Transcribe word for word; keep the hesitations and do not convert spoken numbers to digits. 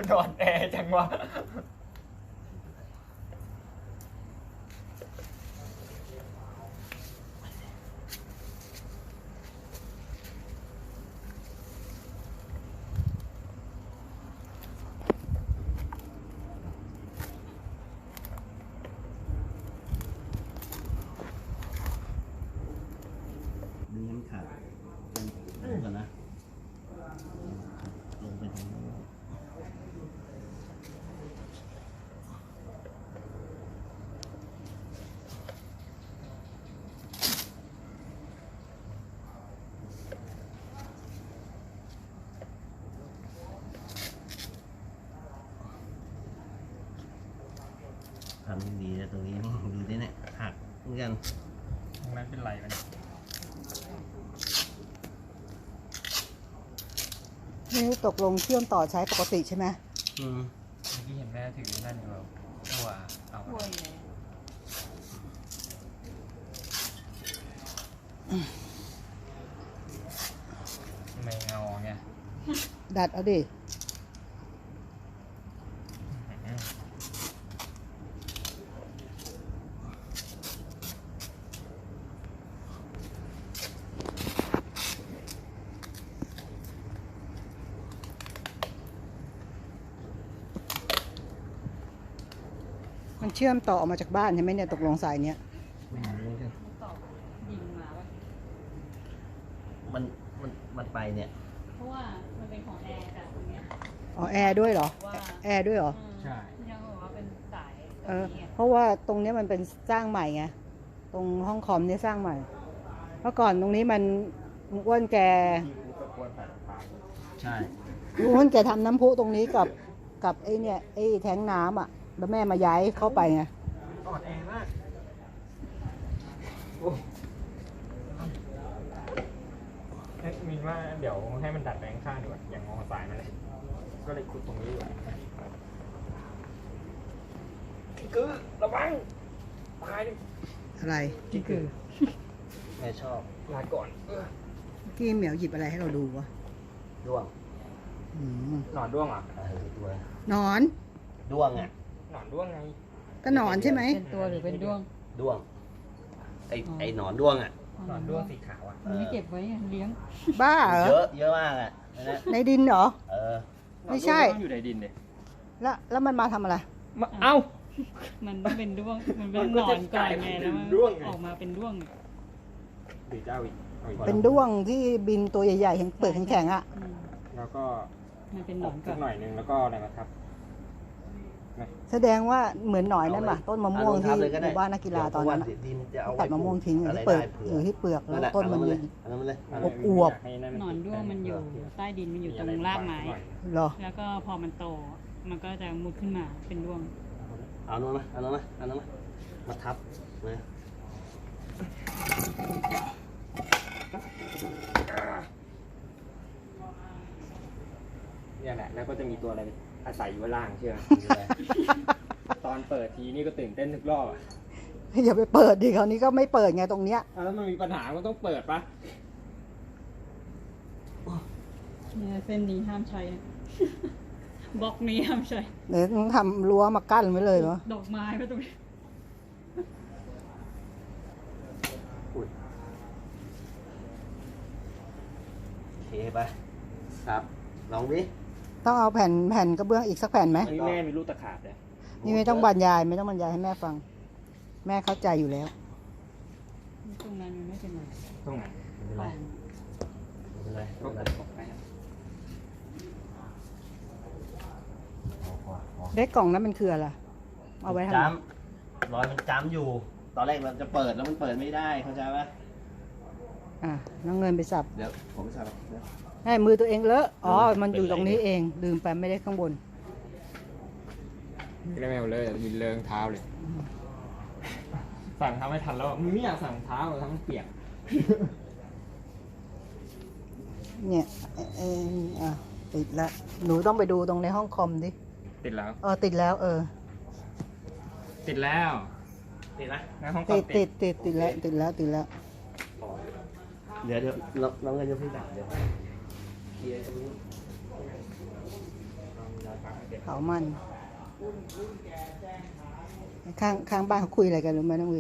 นอนแอร์จังวะดึงน้ำขาดลงก่อนนะลงไปทางนี้ทำดีนะตรงนี้ดูดิเนี่ยหักเหมือนกันตรงนั้นเป็นไรมันนี่ตกลงเชื่อมต่อใช้ปกติใช่ไหมอืมเมื่อกี้เห็นแม่ถือนั่นอยู่แล้วตัวเอามาไม่เงาไงดัดเอาดิมันเชื่อมต่อออกมาจากบ้านใช่ไหมเนี่ยตกลงสายเนี้ยไม่รู้กันมันมันมันไปเนี่ยเพราะว่ามันเป็นของแอร์ค่ะตรงเนี้ยอ๋อแอร์ด้วยเหรอแอร์ด้วยเหรอใช่ยังบอกว่าเป็นสายเออเพราะว่าตรงนี้มันเป็นสร้างใหม่ไงตรงห้องคอมนี่สร้างใหม่เพราะก่อนตรงนี้มันอ้วนแกใช่อ้วนแกทำน้ำพุตรงนี้กับกับไอ้เนี่ยไอ้แท้งน้ำอ่ะแล้วแม่มาย้ายเข้าไปไงอ่อนแอมากเอ๊ะมินว่าเดี๋ยวให้มันดัดแปลงข้างดีกว่าอย่างงอสายมาเลยก็เลยขุดตรงนี้ดีกว่าคือระวังตายดิอะไรที่คือแม่ชอบลาก่อนเกี้เหมียวหยิบอะไรให้เราดูวะด้วงหนอนด้วงอ่ะเออด้วงหนอนด้วงอ่ะหนอนด้วงไงก็หนอนใช่ไหมเป็นตัวหรือเป็นด้วงด้วงไอไอหนอนด้วงอ่ะหนอนด้วงสีขาวอ่ะไม่เก็บไว้เลี้ยงบ้าเหรอเยอะเยอะมากอ่ะในดินเหรอเออไม่ใช่อยู่ในดินเลยแล้วแล้วมันมาทำอะไรเอ้ามันเป็นด้วงมันเป็นหนอนก่อนไงแล้วมันออกมาเป็นด้วงดีเจ้าอีกเป็นด้วงที่บินตัวใหญ่ๆแข็งเปลือกแข็งๆอ่ะแล้วก็มันเป็นหนอนก่อนหน่อยนึงแล้วก็อะไรมาทับแสดงว่าเหมือนหน่อยนั่นป่ะต้นมะม่วงที่หมู่บ้านนักกีฬาตอนนั้นตัดมะม่วงทิ้งอยู่ที่เปลือกอยู่ที่เปลือกแล้วต้นมันอวบหนอนด้วงมันอยู่ใต้ดินมันอยู่ตรงรากไม้เหรอแล้วก็พอมันโตมันก็จะมุดขึ้นมาเป็นด้วงเอาโน่นนะเอาโน่นนะเอาโน่นนะมาทับนะเนี่ยแหละแล้วก็จะมีตัวอะไรอาศัยอยู่ล่างเชื่อตอนเปิดทีนี่ก็ตื่นเต้นทุกรอบอย่าไปเปิดดิคราวนี้ก็ไม่เปิดไงตรงเนี้ยแล้วมันมีปัญหาก็ต้องเปิดปะเนี่ยเส้นนี้ห้ามใช้บล็อกนี้ห้ามใช้เดี๋ยวต้องทำรั้วมากั้นไว้เลยเหรอดอกไม้ไว้ตรงนี้โอเคไปครับลองดิต้องเอาแผ่นแผ่นกระเบื้องอีกสักแผ่นไหมนี่แม่มีลูกตะขาบเลยนี่ไม่ต้องบรรยายไม่ต้องบรรยายให้แม่ฟังแม่เข้าใจอยู่แล้วตรงนั้นไม่เป็นไรตรงไหนไม่เป็นไรไม่เป็นไรก็ตัดออกไปเล็กกล่องนั้นมันคืออะไรเอาไว้ทำจ้ำรอยมันจ้ำอยู่ตอนแรกเราจะเปิดแล้วมันเปิดไม่ได้เข้าใจไหมอ่ะน้องเงินไปสับเดี๋ยวผมไปสับให้มือตัวเองเลอะอ๋อมันอยู่ตรงนี้เองลืมไปไม่ได้ข้างบนไม่ได้แมวเลยมีเลิงเท้าเลยสั่งทำไม่ทันแล้วมึงไม่อยากสั่งเท้าทำมันเปียกเนี่ยเอออ่ะติดแล้วหนูต้องไปดูตรงในห้องคอมดิติดแล้วเออติดแล้วเออติดแล้วติดนะในห้องคอมติดติดติดติดแล้วติดแล้วติดแล้วเดี๋ยวเดี๋ยวเราเราเงินจะพี่ด่าเดี๋ยวเคลียร์ตรงนี้เผามัน ข้างข้างบ้านเขาคุยอะไรกันรู้ไหมน้องวิว